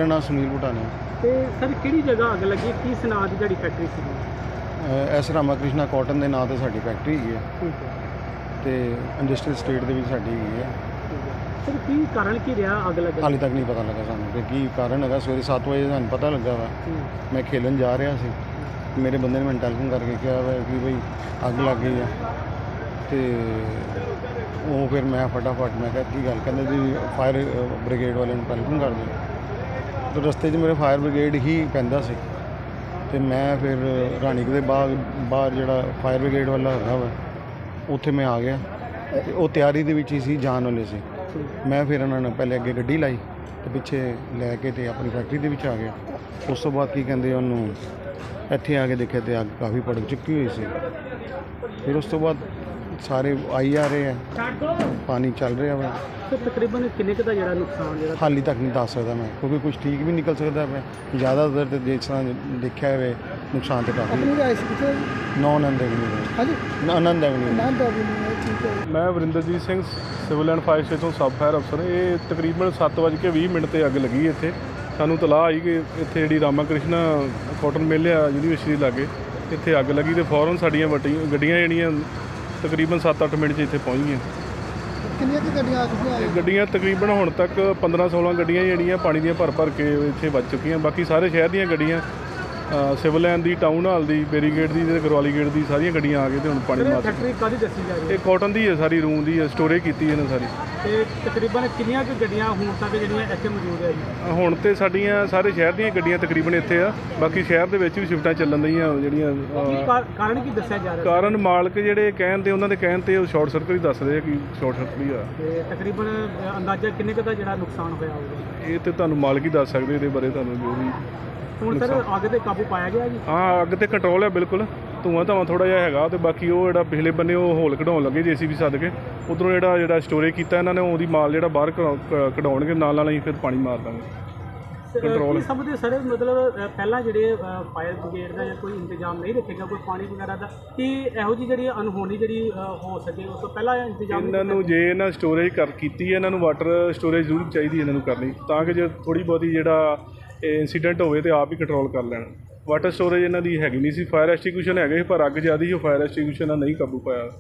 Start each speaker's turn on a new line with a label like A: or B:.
A: मेरा नाम सुनील भुटानी।
B: ਤੇ ਸਰ ਕਿਹੜੀ ਜਗ੍ਹਾ ਅੱਗ ਲੱਗੀ, ਕੀ ਸੁਨਾਹ ਦੀ ਜਿਹੜੀ ਫੈਕਟਰੀ ਸੀ?
A: ਐਸ ਰਾਮਾਕ੍ਰਿਸ਼ਨਾ ਕਾਟਨ ਦੇ ਨਾਂ ਤੇ ਸਾਡੀ ਫੈਕਟਰੀ ਹੈਗੀ ਹੈ
B: ਠੀਕ ਹੈ।
A: ਤੇ ਇੰਡਸਟਰੀਅਲ ਸਟੇਟ ਦੇ ਵਿੱਚ ਸਾਡੀ ਹੈਗੀ ਹੈ।
B: ਸਰ ਕੀ ਕਾਰਨ ਕੀ ਰਿਹਾ ਅੱਗ ਲੱਗਣ
A: ਹਾਲੇ ਤੱਕ ਨਹੀਂ ਪਤਾ ਲੱਗਾ ਸਾਨੂੰ ਕਿ ਕੀ ਕਾਰਨ ਹੈਗਾ। ਸਵੇਰੇ 7 ਵਜੇ ਸਾਨੂੰ ਪਤਾ ਲੱਗਾ ਵਾ। ਮੈਂ ਖੇਲਣ ਜਾ ਰਿਹਾ ਸੀ, ਮੇਰੇ ਬੰਦੇ ਨੇ ਮੈਨੂੰ ਟੈਲੀਫੋਨ ਕਰਕੇ ਕਿਹਾ ਵਾ ਕਿ ਬਈ ਅੱਗ ਲੱਗ ਗਈ ਆ। ਤੇ ਉਹ ਫਿਰ ਮੈਂ ਫਟਾਫਟ ਮੈਂ ਕਿਹਾ ਕੀ ਗੱਲ, ਕਹਿੰਦੇ ਜੀ ਫਾਇਰ ਬ੍ਰਿਗੇਡ ਵਾਲਿਆਂ ਨੂੰ ਟੈਲੀਫੋਨ ਕਰ ਦਿਓ। ਤੇ ਰਸਤੇ 'ਚ ਮੇਰੇ ਫਾਇਰ ਬ੍ਰਿਗੇਡ ਹੀ ਪੈਂਦਾ ਸੀ ਤੇ ਮੈਂ ਫਿਰ ਰਾਣੀਕ ਦੇ ਬਾਹਰ ਜਿਹੜਾ ਫਾਇਰ ਬ੍ਰਿਗੇਡ ਵਾਲਾ ਹੈਗਾ ਵਾ ਉੱਥੇ ਮੈਂ ਆ ਗਿਆ ਤੇ ਉਹ ਤਿਆਰੀ ਦੇ ਵਿੱਚ ਹੀ ਸੀ, ਜਾਣ ਵਾਲੇ ਸੀ। ਮੈਂ ਫਿਰ ਉਹਨਾਂ ਨੂੰ ਪਹਿਲੇ ਅੱਗੇ ਗੱਡੀ ਲਾਈ ਤੇ ਪਿੱਛੇ ਲੈ ਕੇ ਤੇ ਆਪਣੀ ਫੈਕਟਰੀ ਦੇ ਵਿੱਚ ਆ ਗਿਆ। ਉਸ ਤੋਂ ਬਾਅਦ ਕੀ ਕਹਿੰਦੇ ਉਹਨੂੰ ਇੱਥੇ ਆ ਕੇ ਦੇਖਿਆ ਤੇ ਅੱਗ ਕਾਫੀ ਭੜਕ ਚੁੱਕੀ ਹੋਈ ਸੀ। ਫਿਰ ਉਸ ਤੋਂ ਬਾਅਦ ਸਾਰੇ ਆਈ ਆ ਰਹੇ ਆ, ਪਾਣੀ ਚੱਲ ਰਿਹਾ ਵਾ।
B: ਤੇ ਤਕਰੀਬਨ ਕਿੰਨੇ ਕੁ ਦਾ ਜਿਹੜਾ ਨੁਕਸਾਨ ਜਿਹੜਾ
A: ਹਾਲੇ ਤੱਕ ਨਹੀਂ ਦੱਸ ਸਕਦਾ ਮੈਂ, ਕਿਉਂਕਿ ਕੁਝ ਠੀਕ ਵੀ ਨਿਕਲ ਸਕਦਾ ਪਿਆ। ਜ਼ਿਆਦਾਤਰ ਤੇ ਜਿਸ ਤਰ੍ਹਾਂ ਦੇਖਿਆ ਹੋਵੇ ਨੁਕਸਾਨ ਤੇ ਕਾਫੀ ਨੌਨ ਆਨੰਦ ਐਵਨਿਊ।
B: ਹਾਂਜੀ,
A: ਆਨੰਦ ਐਵਨਿਊ।
B: ਠੀਕ ਹੈ।
C: ਮੈਂ Varinderjit Singh, civil and fire station sub fire ਅਫਸਰ। ਇਹ ਤਕਰੀਬਨ 7:20 ਤੇ ਅੱਗ ਲੱਗੀ ਇੱਥੇ। ਸਾਨੂੰ ਤਲਾਹ ਆਈ ਕਿ ਇੱਥੇ ਜਿਹੜੀ ਰਾਮਾ ਕ੍ਰਿਸ਼ਨਾ ਕਾਟਨ ਮਿੱਲ ਆ ਯੂਨੀਵਰਸਿਟੀ ਲਾਗੇ, ਇੱਥੇ ਅੱਗ ਲੱਗੀ ਤੇ ਫੌਰਨ ਸਾਡੀਆਂ ਗੱਡੀਆਂ ਜਿਹੜੀਆਂ ਤਕਰੀਬਨ 7-8 ਮਿੰਟ 'ਚ ਇੱਥੇ ਪਹੁੰਚ ਗਈਆਂ।
B: ਕਿੰਨੀਆਂ ਕੁ ਗੱਡੀਆਂ ਆ ਚੁੱਕੀਆਂ?
C: ਗੱਡੀਆਂ ਤਕਰੀਬਨ ਹੁਣ ਤੱਕ 15-16 ਗੱਡੀਆਂ ਜਿਹੜੀਆਂ ਪਾਣੀ ਦੀਆਂ ਭਰ ਕੇ ਇੱਥੇ ਵੱਜ ਚੁੱਕੀਆਂ। ਬਾਕੀ ਸਾਰੇ ਸ਼ਹਿਰ ਦੀਆਂ ਗੱਡੀਆਂ, ਸਿਵਲ ਲਾਈਨ ਦੀ, ਟਾਊਨ ਹਾਲ ਦੀ, ਬੈਰੀਗੇਡ ਦੀ ਤੇ ਗਰਵਾਲੀ ਗੇਟ ਦੀ ਸਾਰੀਆਂ ਗੱਡੀਆਂ ਆ ਕੇ ਤੇ ਹੁਣ ਪਾਣੀ ਮਾਰ।
B: ਫੈਕਟਰੀ ਕਾਹਦੀ ਦੱਸੀ ਜਾ ਰਹੀ ਹੈ?
C: ਇਹ ਕਾਟਨ ਦੀ ਹੈ, ਸਾਰੀ ਰੂਮ ਦੀ ਹੈ, ਸਟੋਰੇਜ ਕੀਤੀ ਇਹਨਾਂ ਸਾਰੀ।
B: ਤੇ ਤਕਰੀਬਨ ਕਿੰਨੀਆਂ ਕੁ ਗੱਡੀਆਂ ਹੁਣ ਤੱਕ ਜਿਹੜੀਆਂ ਇੱਥੇ ਮੌਜੂਦ ਹੈ ਜੀ?
C: ਹੁਣ ਤੇ ਸਾਡੀਆਂ ਸਾਰੇ ਸ਼ਹਿਰ ਦੀਆਂ ਗੱਡੀਆਂ ਤਕਰੀਬਨ ਇੱਥੇ ਆ। ਬਾਕੀ ਸ਼ਹਿਰ ਦੇ ਵਿੱਚ ਵੀ ਸ਼ਿਫਟਾਂ ਚੱਲਣ ਰਹੀਆਂ ਜਿਹੜੀਆਂ।
B: ਕਾਰਨ ਕੀ ਦੱਸਿਆ ਜਾ ਰਿਹਾ?
C: ਕਾਰਨ ਮਾਲਕ ਜਿਹੜੇ ਕਹਿਣ ਤੇ ਉਹਨਾਂ ਦੇ ਕਹਿਣ ਤੇ ਉਹ ਸ਼ਾਰਟ ਸਰਕਟ ਹੀ ਦੱਸਦੇ ਆ ਕਿ ਸ਼ਾਰਟ ਸਰਕਟ ਹੀ ਆ।
B: ਤੇ ਤਕਰੀਬਨ ਅੰਦਾਜ਼ਾ ਕਿੰਨੇ ਕੁ ਦਾ ਜਿਹੜਾ ਨੁਕਸਾਨ ਹੋਇਆ ਹੋਊਗਾ?
C: ਇਹ ਤੇ ਤੁਹਾਨੂੰ ਮਾਲਕ ਹੀ ਦੱਸ ਸਕਦੇ ਇਹਦੇ ਬਾਰੇ, ਤੁਹਾਨੂੰ ਜੋ ਵੀ।
B: ਹੁਣ ਸਰ ਅੱਗ ਤੇ ਕਾਬੂ ਪਾਇਆ ਗਿਆ ਜੀ?
C: ਹਾਂ, ਅੱਗ ਤੇ ਕੰਟਰੋਲ ਹੈ ਬਿਲਕੁਲ। ਧੂੰਆਂ ਧਾਵਾਂ ਥੋੜ੍ਹਾ ਜਿਹਾ ਹੈਗਾ ਤੇ ਬਾਕੀ ਉਹ ਜਿਹੜਾ ਪਿਛਲੇ ਬੰਨੇ ਉਹ ਹੋਲ ਕਢਾਉਣ ਲੱਗੇ JCB ਸੱਦ ਕੇ। ਉੱਧਰੋਂ ਜਿਹੜਾ ਸਟੋਰੇਜ ਕੀਤਾ ਇਹਨਾਂ ਨੇ, ਉਹਦੀ ਮਾਲ ਜਿਹੜਾ ਬਾਹਰ ਕਢਾਉਣਗੇ, ਨਾਲ ਹੀ ਫਿਰ ਪਾਣੀ ਮਾਰ ਦਾਂਗੇ। ਕੰਟਰੋਲ
B: ਸਭ ਦੇ ਸਾਰੇ ਮਤਲਬ ਪਹਿਲਾਂ ਜਿਹੜੇ ਫਾਇਰ ਬ੍ਰਿਗੇਡ ਦਾ ਜਾਂ ਕੋਈ ਇੰਤਜ਼ਾਮ ਨਹੀਂ ਰੱਖੇਗਾ, ਕੋਈ ਪਾਣੀ ਵਗੈਰਾ ਦਾ, ਕਿ ਇਹੋ ਜਿਹੀ ਜਿਹੜੀ ਅਨਹੋਣੀ ਜਿਹੜੀ ਹੋ ਸਕੇ ਉਸ ਤੋਂ ਪਹਿਲਾਂ ਇੰਤਜ਼ਾਮ
C: ਇਹਨਾਂ ਨੂੰ ਜੇ ਇਹਨਾਂ ਸਟੋਰੇਜ ਕੀਤੀ ਹੈ, ਇਹਨਾਂ ਨੂੰ ਵਾਟਰ ਸਟੋਰੇਜ ਜ਼ਰੂਰ ਚਾਹੀਦੀ ਇਹਨਾਂ ਨੂੰ ਕਰਨੀ, ਤਾਂ ਕਿ ਜੇ ਥੋੜ੍ਹੀ ਬਹੁਤੀ ਜਿਹੜਾ ਇੰਸੀਡੈਂਟ ਹੋਵੇ ਤੇ ਆਪ ਹੀ ਕੰਟਰੋਲ ਕਰ ਲੈਣ। ਵਾਟਰ ਸਟੋਰੇਜ ਇਹਨਾਂ ਦੀ ਹੈਗੀ ਨਹੀਂ ਸੀ। ਫਾਇਰ ਐਸਟੀਗਿਊਸ਼ਨ ਹੈਗੇ ਸੀ ਪਰ ਅੱਗ ਜ਼ਿਆਦਾ ਸੀ, ਉਹ ਫਾਇਰ ਐਸਟੀਗਿਊਸ਼ਨ ਨਾਲ ਨਹੀਂ ਕਾਬੂ ਪਾਇਆ।